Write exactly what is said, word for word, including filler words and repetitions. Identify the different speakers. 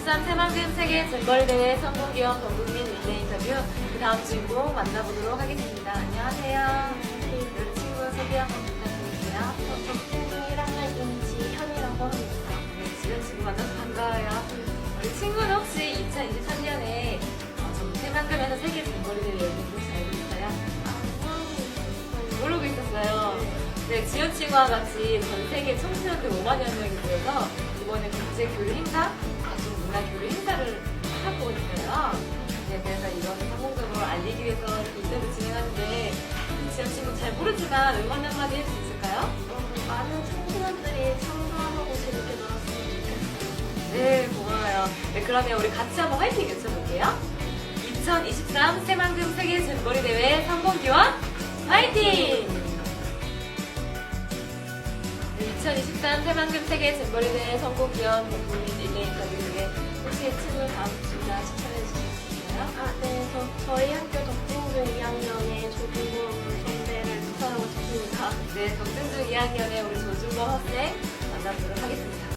Speaker 1: 이천이십삼 새만금 세계 잼버리 대회 성공기원 전국민 릴레이 인터뷰 그 다음 주인공 만나보도록 하겠습니다. 안녕하세요. 우리 친구 소개 한번 부탁드릴게요.
Speaker 2: 저 친구 일 학년 임지현이라고 합니다.
Speaker 1: 네, 지현 친구 만나서 반가워요. 우리 친구는 혹시 이천이십삼 년에 전국 새만금에서 세계 잼버리 대회 열린 거 알고 있어요? 모르고 있었어요. 네, 지현 친구와 같이 전 세계 청소년들 오만여 명이 모여서 이번에 국제 교류 행사, 각종 문화 교류 행사를 하고 있어요. 네, 그래서 이번 성공적으로 알리기 위해서 이렇게 인터뷰 진행하는데 지현 친구 잘 모르지만 응원 한마디 할 수 있을까요?
Speaker 2: 어, 많은 청소년들이 참가하고 재밌게 놀았으면 좋겠어요.
Speaker 1: 네, 고마워요. 네, 그러면 우리 같이 한번 화이팅 외쳐볼게요. 이천이십삼 새만금 세계 잼버리 대회 성공기원 화이팅! 이천이십삼 새만금 세계 잼버리 대회 성공기원 국민 릴레이 인터뷰 중에 혹시 친구 다음 주자 추천해 주실 수 있나요?
Speaker 2: 아, 네. 저, 저희 학교 덕진중 이 학년의 조준범 선배를 추천하고 싶습니다.
Speaker 1: 네, 덕진중 이 학년의 우리 조준범 학생 만나보도록 하겠습니다.